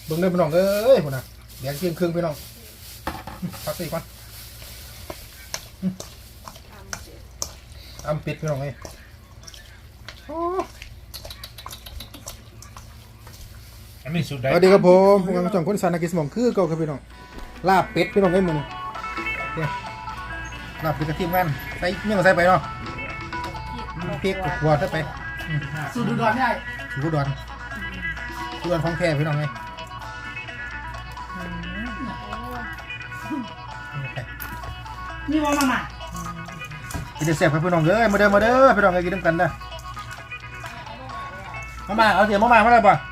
เบิ่งเลยพี่น้องเอ้ยพุ่นน่ะแดงเที่ยงครึ่งพี่น้องพักสิก่อนปิดพี่น้องเอ้ยอันนี้สุดได้สวัสดีครับผมผมกำลังจ่องคนสานากิสมองคือเก่าครับพี่น้องลาบเป็ดพี่น้องเอ้ยมื้อนี้เนี่ยลาบเป็ดกระเทียมกันใส่เมี่ยงใส่ไปเนาะพริกหัวใส่ไปสูตรอุดรได้สูตรอุดรของแท้พี่น้องเอ้ยนี่ว่ามากินเสียบครับพี่น้องเอ้ยมาเด้อพี่น้องเอ้ยกินน้ำกันเด้อมาเอาเสียบมาเลยป่ะ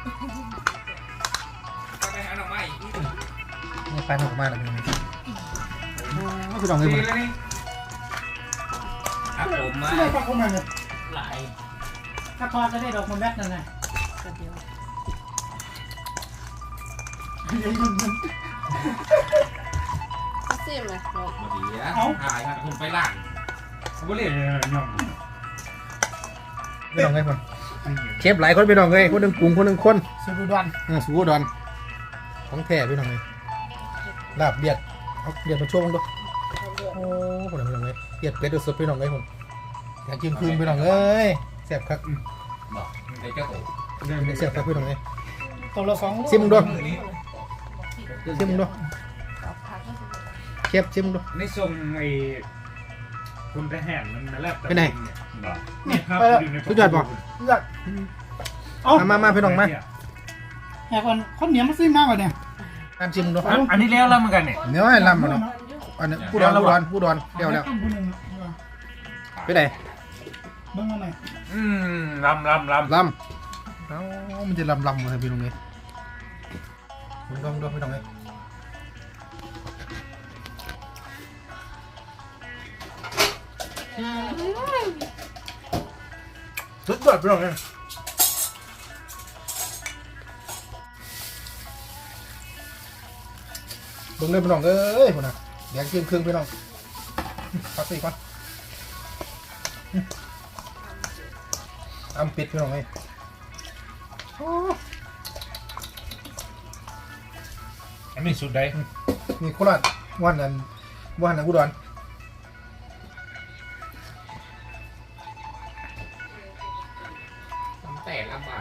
ไปหาหน่อไม้นี่ไปหน่อไม้แล้วพี่น้องพี่น้องเอ้ยมาครับผมมาได้ปลาเข้ามาเลยหลายถ้าทอดจะได้ดอกมันแวดนั่นไงเสียมเลยมาดีอ่ะหายครับคุณไปล่างเขาไม่เรียกย่อมพี่น้องเอ้ยคนเชฟหลายคนพี่น้องเอ้ยคนหนึ่งกรุงคนหนึ่งคนสูตรอุดรสูตรอุดรของแท้พี่น้องเอ้ยลาบเบียดเอาเบียดมาช่วงดูโอ้คนพี่น้องเอ้ยเบียดเป็ดสดพี่น้องเอ้ยคนอยากกินคืนพี่น้องเอ้ยแซ่บครับบอกไอ้เจ้าโตแซ่บครับพี่น้องเอ้ยตัวละ2 ซิมดูมือนี้ชิมดูเชฟชิมดูในทรงไอ้คุณทหารมันแลบไปไหนเนี่ยครับสุดยอดป่ะเลือดเอามาพี่น้องมาแหกคนคนเหนียวมันซิ่งมากกว่าเนี่ยตามชิมดูอันนี้แล้วเหมือนกันเนี่ยเนื้อให้ลำมาเนาะอันนี้ผู้ดอนเดี๋ยวแล้วไปไหนเบิ่งมาหน่อยลำลำเอ้ามันจะลำเลยพี่น้องเอ้ยมึงต้องดูพี่น้องเอ้ยสุดยอดพี่น้องเอ้ยเบิ่งเลยพี่น้องเอ้ยพุ่นน่ะแดงเที่ยงครึ่งพี่น้องพักสิก่อนปิดพี่น้องเอ้ยอันนี้สุดได้มีโคราชวันนั้นอุดรแต่ลำบาก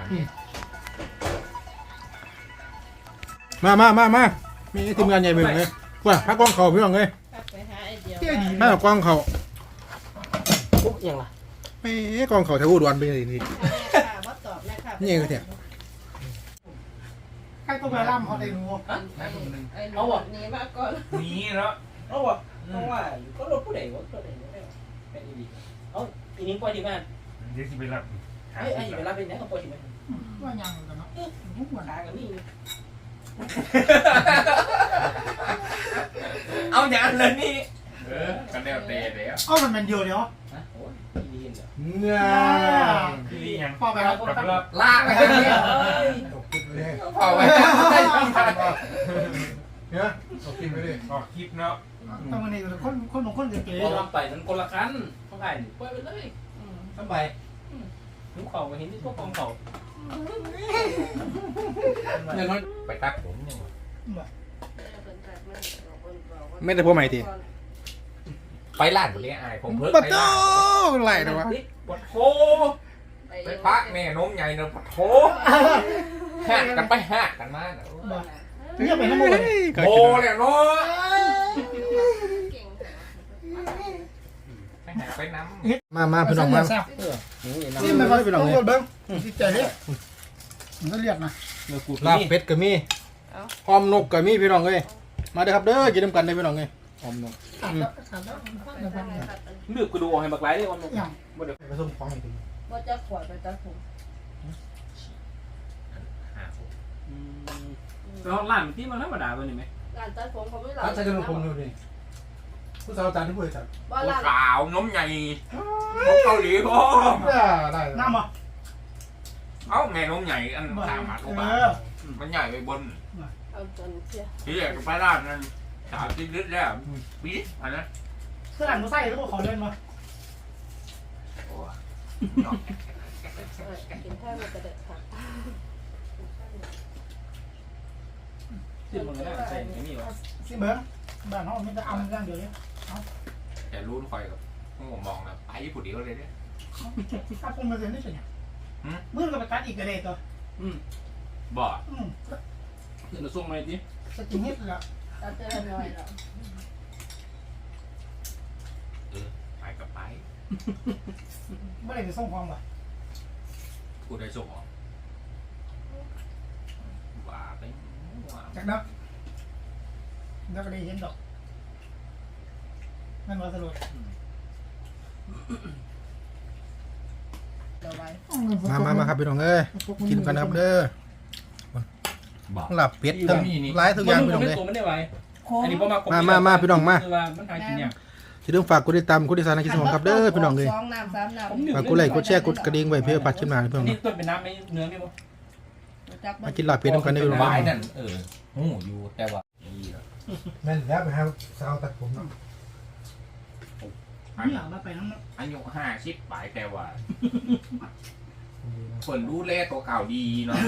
มามีทีมงานใหญ่ไปเลยว่าพักกล้องเขาพี่น้องเลยไปหาไอเดียมากล้องเขาปุ๊บยังล่ะไม่กล้องเขาแถวอุดรเป็นยังไงนี่ว่าตอบนะครับนี่เองก็เถอะใครต้องไปล่ำเขาได้รู้เอาแบบนี้มาก่อนนี้แล้วเอาวะเพราะว่าก็รถผู้ใดวะรถไหนวะไม่ดีเอาอีนี้ปล่อยที่บ้านเดี๋ยวจะไปรับไอ้เวลาเป็นเนี่ยเขาปล่อยที่บ้านว่ายังกันเนาะมุกหัวขากันนี่เอาอย่างนั้นนี่กันเดียวเตะเดี๋ยวเอามันเป็นเดียวเดียวฮะโอ้ยดีเห็นเหรอเนี่ยที่ยังพอไปแล้วกับรับลากไปเนี่ยพอไว้เนี่ยตกกินไปดิออกคลิปเนาะต้องมาเนี่ยคนบางคนเก๋พอลงไปนั้นคนละคันเขาไงปล่อยไปเลยทำไปลูกเขาเห็นที่พวกกองเขาเนี่ยน้อยไปตักผมเนี่ยไม่ได้พวกใหม่ทีไปล่านผมเรียกอายผมเพิ่งปัดไปโต้ล่านไหลนะวะปวดโถไปพักเนี่ยน้มใหญ่เนอะปวดโถหักกันไปหักกันมาเนี่ยไปน้ำมันโอ้เลยเนาะไปหาไปน้ำมาพี่น้องมานี่มันพี่น้องเนี่ยเบิ้งจิตใจเนี่ยมันก็เรียกนะลาบเป็ดก็มีหอมนกก็มีพี่น้องเลยมาเด้อครับเด้อกินน้ำกันได้พี่น้องเลยหอมนกเลือกกูดูให้บักไล่ได้วันนึงอย่างผสมของอีกทีว่าจะขวดไปจะถุงเราล้านที่มันธรรมดาตัวนี้ไหมการตัดผมเขาไม่หลัร้านใช้จะลงผมอยู่นี่ผู้สาวจานที่ผู้ใหญ่จัดว่าร้านขาวน้มใหญ่น้มเกาหลีพ่อได้น้ำอ่ะเอ้าแม่น้มใหญ่อันสามารถเข้าไปมันใหญ่ไปบนเอาจนเสียที่อยากไปร้านนั้น30 ลิตรแล้วปี๊ดอันนั้นเสื้อหลังก็ใส่แล้วก็ขอเล่นมากินแค่มันจะเด็ดค่ะสิมันก็ได้ใส่ไม่มีหรอกสิเบิ้งบ้านห้องมันจะเอาเรื่องเดียวนี้แต่รู้คอยกับผมมองนะไปผู้เดียวเลยเนี่ยถ้าผมมาเซ็นได้เป็นไงเมื่อเราไปตัดอีกกระเด็นตัวบ่เดี๋ยวเราส่งมาดิสกินเฮ็ดแล้วตัดเจอหน่อยแล้วไปกับไปเมื่อไรจะส่งความวะผู้ใดส่งออกว่าไปว่าจากนั้นแล้วก็ได้เห็นดอกนั่นว่าสรุปเดี๋ยวไว้มาครับพี่น้องเอ้ยกินกันครับเด้อบ่หลับเป็ดทั้งหลายทุกอย่างพี่น้องเลยตัวมันได้ไว้อันนี้พอมาพี่น้องเนี่ยอย่าลืมฝากกดติดตามกดติดตามในคลิปของครับเด้อพี่น้องเลย 2 น้ำ 3 น้ำฝากกดไลค์กดแชร์กดกระดิ่งไว้เพื่อปัดขึ้นมาพี่น้องนี่ต้นเป็นน้ำไม่เนื้อไม่บ่มากินหลับเป็ดกันได้พี่น้องวายนั่นหูอยู่แต่ว่าแม่นแล้วไปหาสาวตัดผมเนาะนี่มาไปน้ำอายุ50ปลายแต่ว่าคนดูแลตัวเก่าดีเนาะ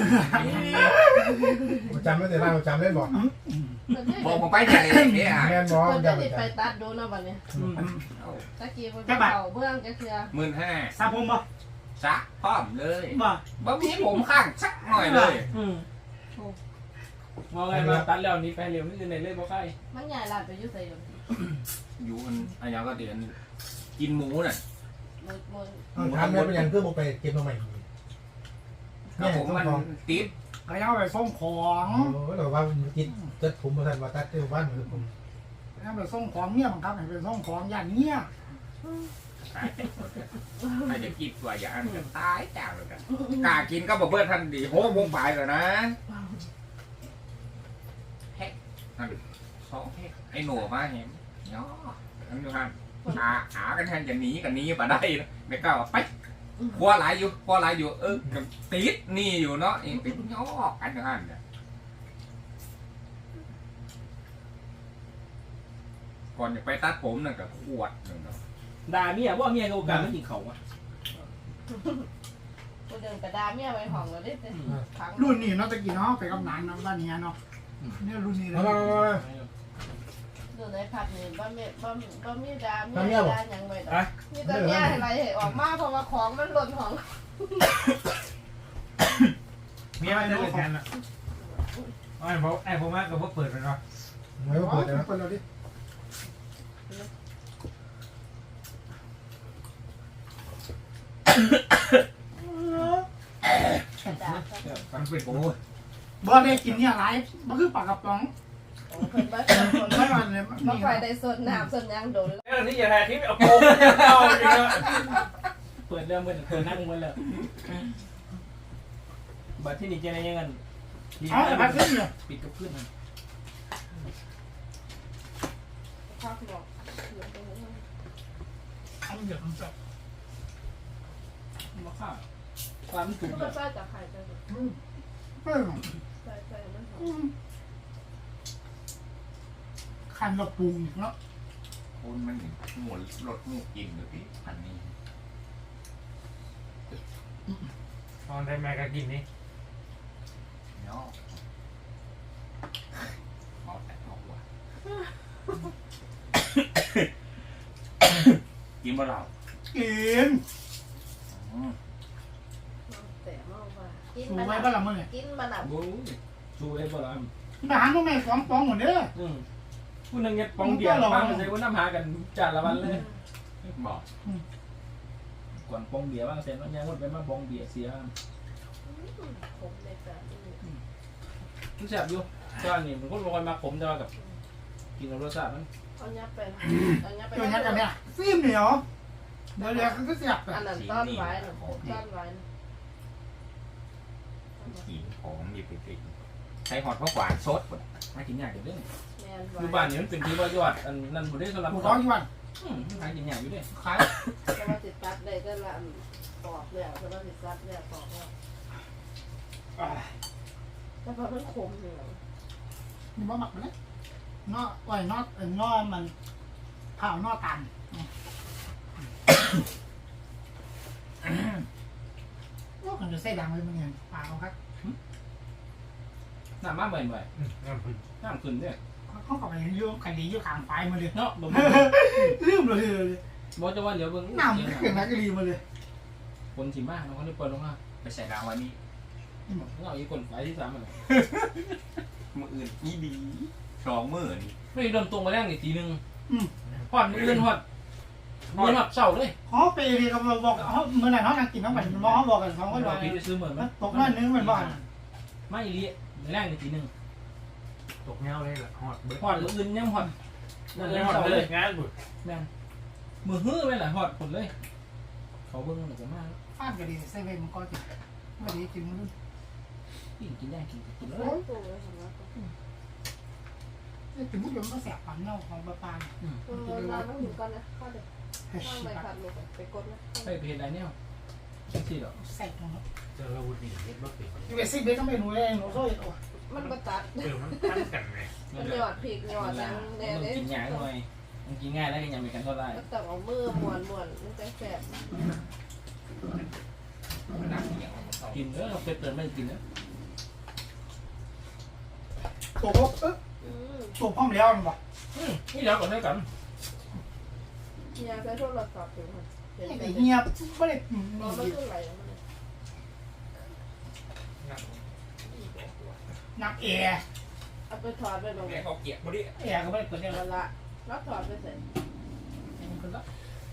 จำไม่ได้เราจำได้บอกบอกผมไปไหนเนี่ยแม่นบอกเพิ่นจำจะไม่ติดไปได้ตัดดูเนาะบัดนี้ตะกี้เพิ่นเก่าเบื้องจะเคือ 15,000 ซาผมบ่ซักพร้อมเลยบ่บ่มีผมข้างสักหน่อยเลยมองไงมาตัดแล้วนี้ไปเร็วนี่จะไหนเลยบ่ใครมันใหญ่ลาดไปอยู่ไสอยู่อยู่อันยังก็เดือนกินหมูน่ะมื้อถามแม่เป็นยังเพื่อไปเก็บมาใหม่ครับผมมันติดก็ยังไปส่งของเราว่ากินตัดผมมาทันว่าตัดเที่ยวบ้านเหมือนผมยังไปส่งของเนี่ยบังคับให้ไปส่งของอย่างเนี้ยใครจะกินตัวอย่างนั้นก็ตายจ้าเลยกันกล้ากินก็บอกเพื่อนทันดีโหวงไปแล้วนะแฮกนั่น2 แฮกไอ้หนูมาเห็นเนาะอันนี้ฮะหากันแทนจะหนีกันนี้มาได้ไม่กล้าไปพอหลายอยู่ติดนี่อยู่เนาะเองติดย่อกันอย่างนั้นเนี่ยก่อนจะไปตัดผมนั่นก็ขวดหนึ่งเนาะด่าเมียว่าเมียโอกาสไม่กินเขาอ่ะกูเดินไปด่าเมียไว้ห้องแล้วเด้ขังรุ่นนี้เนาะตะกี้เนาะไปกับหนานเนาะบ้านนี้เนาะเนี่ยรุ่นนี้เลยดูในผัดนี่บ่มีด่าเมียด่าหยังไว้ดอกมีแต่เมียอะไรให้ออกมาเพราะว่าของมันหล่นห้องเมียมันจะเป็นแทนอ่ะไอ้ผมว่าก็เปิดไปเนาะไม่ว่าเปิดนะเปิดเราดิด่ามันเป็นโอ้ยบ่ได้กินเนี่ยหลายมันคือปากกระป๋องเพิ่นบ่เป็นคนไม่มันเลยบ่ค่อยได้สดน้ำสดหยังโดนเรื่องนี้อย่าถ่ายคลิปเอาโกงเอาจริงๆเปิดเรื่องเปิดนั่งมันเลยบัดที่นี่จะได้ยังไงเอาแต่พักขึ้นเนี่ยปิดกับขึ้นพักบอกเอาเดี๋ยวมันจะมาข้าวความถูกก็ใส่จากไข่ไปเพิ่มใส่มันหอมคันเราปรุงเนาะคนมันหมุนรถมูกินเลยพี่อันนี้ตอนได้แม่ก็กินนี่เนาะเอาแต่เอาว่ะกินบ่เรากินแต่เมาว่ากินสูมัไว้นบ้านเราเมื่อไงกินมันอ่ะบูชูให้บ่ล่ะทหารต้องแม่2 ปองหมดเด้อผู้นึงเนี่ยปองเดียวมาใส่ว่าน้ำหากันจานละวันเลยบอกก่อนปองเบียร์บ้างเสร็จแล้วยังหมดไปมาปองเบียร์เสียผมเลยจ้ะมันแซ่บอยู่จานนี่มันก็ลอยมาผมจะมากับกินกับรสชาติมันเอาเนี้ยไปเอาเนี้ยไปตัวนี้กันเนี่ยฟิล์มเหนียวเดี๋ยวเดี๋ยวเขาก็เสียบไปอันนั้นต้อนไว้น่ะต้อนไว้กินหอมหยิบไปติดใช้หอดเพราะหวานสดหมดหากินยากอยู่เด้แม่นอยู่ไว้บ้านนี่มันเป็นที่ว่ายอดอันนั้นบ่ได้สำหรับผู้ท้องยี่วันหากินยากอยู่เด้ขายแต่ว่าติดตัดได้ก็ละปอกเลยแต่ว่าติดตัดเนี่ยปอกแล้วแต่พอมันขมอยู่นี่บ่หมักไปเลยนอไว้นอมันเผานอตันโอ้มันจะใส่ดังเลยมึงเห็นปากเขาครับน้ำมาบ่อยน้ำพึ่งๆน้ำขึ้นเนี่ยเขาก็ไปเรื่องคดีอยู่ข้างไฟมาเลยเนาะบ่ลืมเลยบ่จะว่าเดี๋ยวเบิ่งน้ำเขื่อนนักกรีมาเลยคนสิมาเขาได้เปิดลงมาไปใส่ดาววันนี้เอาอีกคนไฟที่3มันมืออื่นอีดี2 มื้อนี่ไม่ได้เริ่มตรงมาแรงนี่ทีนึงฮอดมื้ออื่นฮอดเช้าเลยเขาไปเรียนกับบอกเขาเมื่อไหร่เขานั่งกินน้ำมันมอเขาบอกกันเขาก็เราว่าไปซื้อเหมือนมันตกน้อยนึงเหมือนบ้านไม่อีหลีแรงนี่ทีนึงตกเงาเลยล่ะฮอดเบิดฮอดอื่นยังฮอดนั่นเช้าฮอดเลเลย ยงานบุญแม่นมือฮื้อไปล่ะฮอดคนเลย เขาเบิ่งแล้วก็มาฟาดก็ดีเซเว่นมันก็ติดไม่ดีจริงมันกินได้กินเลยตัวเลยเห็นไหมถึงมุดมันก็แสบปันเน่าของปลาปลาเราต้องถึงก่อนนะข้อเด็กข้างใบพัดลงไปกดนะไปเฮ็ดได้แนวจังซี่ดอกแสบตรงนั้นเจอเราบุญนี่เฮ็ดบ่เป็นยูเอสซีเบสต้องไปหนูเลยหนูโซ่ตัวมันก็ตัดมันตั้งกันไงมันหยอดพริกหยอดแล้นั้วนแดงมันเลยกินยากหน่อยมันกินง่ายแล้วก็ยังมีกันเท่าไหร่ก็ต้องเอามือม้วนมันจะแสบน้ำเหนียวมันต้องกินเราไปเติมไม่กินนะตัวพวกตัวพร้อมแล้วมันบอกนี่เดี๋ยวก่อนให้กันยาใช้โทรศัพท์ถึงมันเห็นไอ้ไหมเงียบไม่ได้มันไม่ขึ้นไหลมันนักแอร์เอาไปถอดไปลงแม่เขาเกลียดบ่ดิแอร์ก็ไม่ได้เปิดเนี่ยเวลารับถอดไปเสร็จคนละ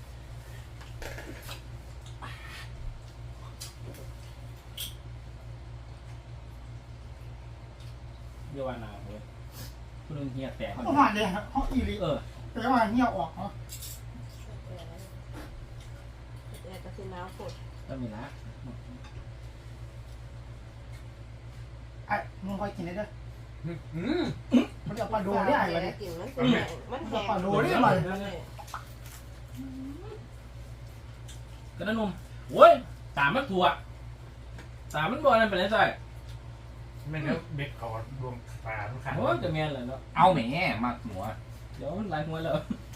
เดี๋ยววันหนาวเลยคุณลุงเฮียแตกเขาผ่านเลยเขาอีลีแต่ว่าเงียบออกเนาะแต่กระสิน้ำฝนก็มีละไอ้มึงคอยกินได้ด้วยอืมมันจะปลาโดได้ไอ้วันนี้กินมันเป็นมันแห้งปลาโดได้ไหมกระนุ่มโว้ยตามมันถั่วตามมันบ่อนั่นเป็นไรใส่ไม่แล้วเบ็ดเขารวมปลาทุกขันโอ้ยจะแม่นเลยเนาะเอาแหมมาหัวเดี๋ยวมันลายหัวแล้ว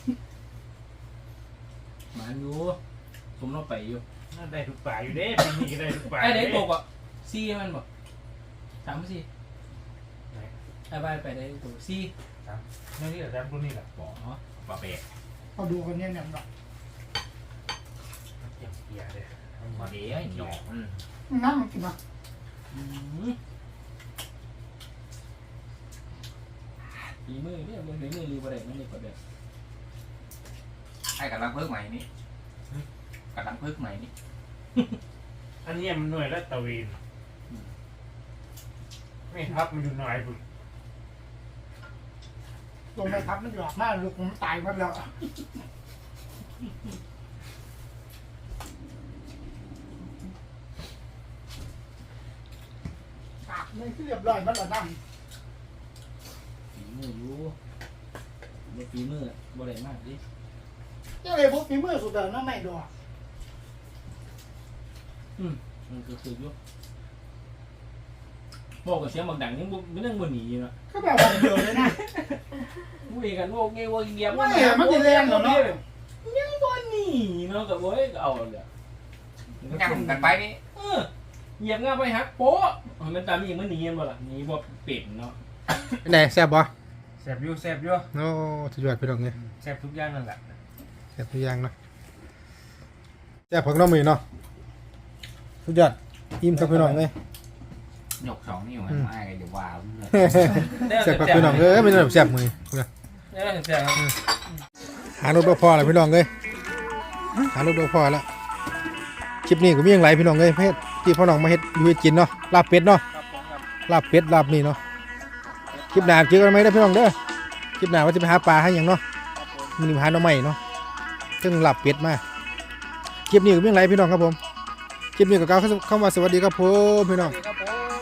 มันอยู่ผมเราไปอยู่นั่นได้ทุกปลาอยู่เด้ปีนี้ก็ได้ทุกปลาไอ้เด็กตกอ่ะซีมันบอกถามซีไอ้ใบไปได้ตกซีนี่แหละแซมรุ่นนี่แหละบอกปลาเป็ดเขาดูกันเนี่ยเนี่ยแบบเกี่ยวเกียร์เลยปลาเดี๋ยวหยอกมันน้ำมันกินมาฝีมือเนี่ยมันฝีมือรีบอะไรมันนี่ก็เด็ดไอ้กำลังเพิ่มใหม่นี่กำลังเพิ่มใหม่นี่อันนี้มันหน่วยละตะวีนไม่ทับมันอยู่หน่อยบุญลงไปทับมันหยอกมากลูกผมตายมาแล้วนี่คือเรียบร้อยมันละน้ำฝีมืออยู่บ่ฝีมือบ่ได้มากดิยังเลยพวกฝีมือสุดเดิมน้ำไม่ดอกมันคืออยู่บอกกับเสียงบางดังยังไม่นั่งบนหนีอยู่นะก็แบบว่าเดิมเลยนะคุยกันโวกเงี้ยโวกเงี้ยไม่อะมันจะแรงเหรอเนาะยังบนหนีเนาะกับโว้ยเอาเลยย่างกันไปนี่เหยียบง่าไปฮักโป๊ะมันตามนี่มันหนีมันบ่ล่ะหนีบ่เป็ดเนาะเป็นไงแซ่บบ่แซบอยู่แซบอยู่โอ้สุดยอดพี่น้องเลยแซบทุกอย่างนั่นแหละแซ่บทุกอย่างเนาะแซ่บผักน้องมือเนาะสุดยอดอิ่มครับพี่น้องเลยหยก2 นิ้วมันไม่กันเดี๋ยวว้าวแซ่บผักพี่น้องไม่ต้องแซ่บมือเนี่ยแซ่บครับหารถบ่พอแล้วพี่น้องเลยหารถบ่พอแล้วคลิปนี้ก็มีอย่างไรพี่น้องเลยเฮ็ดที่พ่อน้องมาเฮ็ดอยู่ให้กินเนาะลาบเป็ดเนาะครับผมครับลาบเป็ดลาบนี่เนาะคลิปหน้าเจอกันไหมเด้อพี่น้องเด้อคลิปหน้าว่าจะไปหาปลาให้หยังเนาะมันนี่หาหน่อไม้เนาะซึ่งลาบเป็ดมาคลิปนี้ก็มีอย่างไรพี่น้องครับผมคลิปนี้ก็กล่าวเข้ามาสวัสดีครับผมพี่น้องครับผม